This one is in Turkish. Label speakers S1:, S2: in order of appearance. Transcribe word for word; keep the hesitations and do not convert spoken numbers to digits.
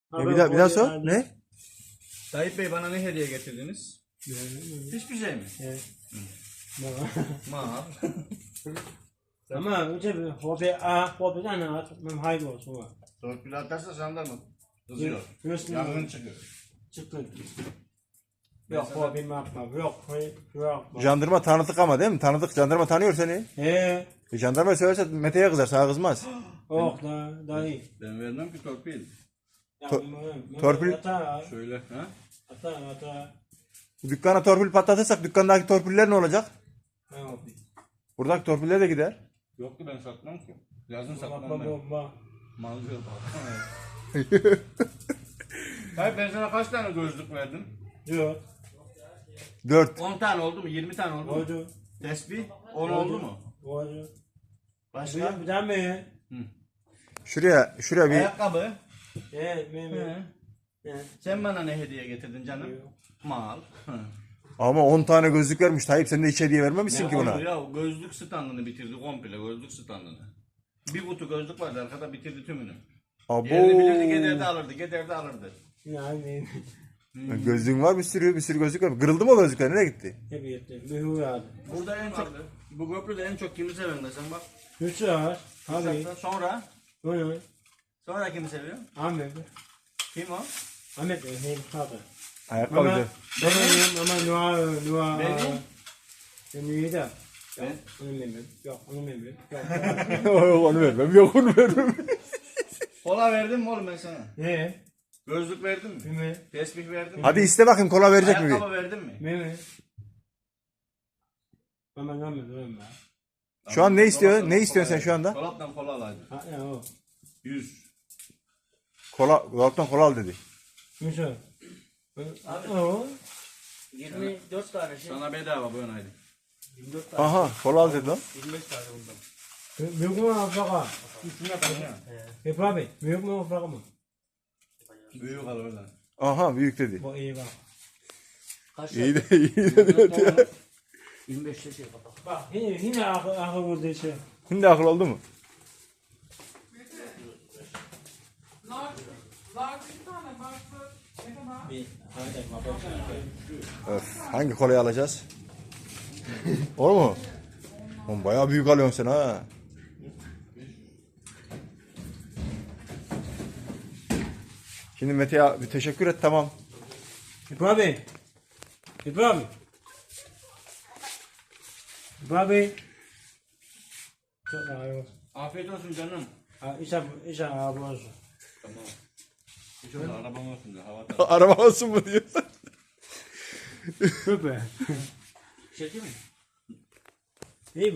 S1: E bir daha bir daha sor. Ne?
S2: Tayyip Bey bana ne hediye getirdiniz? Hiçbir şey mi?
S3: Evet.
S2: Mal.
S3: Ama önce bir hobi A, hobi tane at. Ben hayır olsun var.
S2: Torpil atarsa jandarma kızıyor.
S3: Üstüne
S2: Yangın çıkıyor.
S3: çıktı. Yok hobi yapma. Yok yok.
S1: Jandarma tanıdık ama değil mi? Tanıdık jandarma tanıyor seni.
S3: He.
S1: E, jandarma söylerse Mete'ye kızar, sana kızmaz.
S3: Yok da dayı.
S2: Ben vermem ki torpil.
S1: Torpil-
S3: Ata
S2: Şöyle ha?
S3: ata ata.
S1: Dükkana torpil patlatırsak dükkandaki torpiller ne olacak?
S3: Ne hobi?
S1: Buradaki torpiller de gider.
S2: Yok ki ben satmam ki. Yazın
S3: Bakma
S2: satmam ben.
S3: bomba.
S2: Mal diyor bak. Tayyip ben sana kaç tane gözlük verdim?
S3: Yok.
S1: Dört.
S2: on tane oldu mu? yirmi tane oldu mu?
S3: Oldu.
S2: Tesbih on oldu mu?
S3: Oldu.
S2: Başka?
S3: Bir daha mı?
S1: Şuraya, şuraya bir
S2: Ayakkabı.
S3: Evet, benim.
S2: Hı.
S3: Evet.
S2: Sen bana ne hediye getirdin canım?
S3: Yok.
S2: Mal. Hı.
S1: ama on tane gözlük vermiş Tayyip, sen de hiç hediye vermemişsin
S2: Ya
S1: ki
S2: oldu
S1: buna.
S2: ya gözlük standını bitirdi komple gözlük standını. Bir kutu gözlük vardı arkada bitirdi tümünü.
S1: Abo.
S2: Yerini bilirdi giderdi alırdı giderdi alırdı.
S3: Yani
S1: Gözlüğün var bir sürü, bir sürü gözlük var. Kırıldı mı o gözlükler? Nereye gitti?
S3: hep yetti. Mühür aldı.
S2: Burada en çok bu köprüde en çok kimi seviyorsun desen bak.
S3: Üç var. Abi.
S2: Sonra
S3: Bunu.
S2: sonra kimi seviyor?
S3: Ahmet.
S2: Kim o?
S3: Ahmet de hem kaldı. Ama
S1: Ayakkabıcı.
S3: ama ama Noah Noah.
S2: Benim?
S3: Ben iyi de.
S2: Ben?
S3: Yok, onu bilmiyorum. Yok, onu bilmiyorum. Yok.
S1: Yok onu vermem, yok onu vermem.
S2: Kola verdim mi oğlum ben sana?
S3: Ne?
S2: Gözlük verdim mi?
S3: Mimi.
S2: Tesbih verdim mi?
S1: Hadi iste bakayım, kola verecek mi? bir?
S2: Ayakkabı verdim mi?
S3: Mimi. Ama ne yapayım ben?
S1: Şu an ne istiyor?
S2: Dolaptan
S1: Ne
S2: kola
S1: istiyorsun sen
S2: verdim.
S1: şu anda?
S2: Dolaptan kola alaydın.
S3: Ha ya o.
S2: yüz.
S1: Kola, dolaptan kola al dedi.
S3: Müsa. O.
S4: yirmi dört tane şey.
S2: Sana bedava böyle aydı.
S4: yirmi dört tane.
S1: Aha, kola al dedi lan.
S4: yirmi beş tane bundan.
S3: Büyük mü afaka?
S2: Üstüne kalın.
S3: Hep abi. Büyük mü afaka mı?
S2: Büyük al oradan.
S1: Aha, büyük dedi.
S3: Bu iyi bak.
S4: Kaç
S1: İyi de, iyi dedi. Evet ya.
S4: yirmi beş şey bak.
S3: Bak yine yine akıl akıl vurdu şey.
S1: Şimdi akıl oldu mu?
S3: Bir hadi baba.
S1: Öf, hangi kolayı alacağız? Olur mu? Oğlum bayağı büyük alıyorsun sen ha. Şimdi Mete'ye bir teşekkür et, tamam.
S3: Hep abi. Hep abi. Hep abi. Çok iyi olsun.
S2: Afiyet olsun canım.
S3: Ha işe işe abi olsun.
S2: Tamam. Hiç oldu arabam olsun da havada.
S1: Araba olsun mu diyor.
S3: Süper.
S4: Şey değil mi?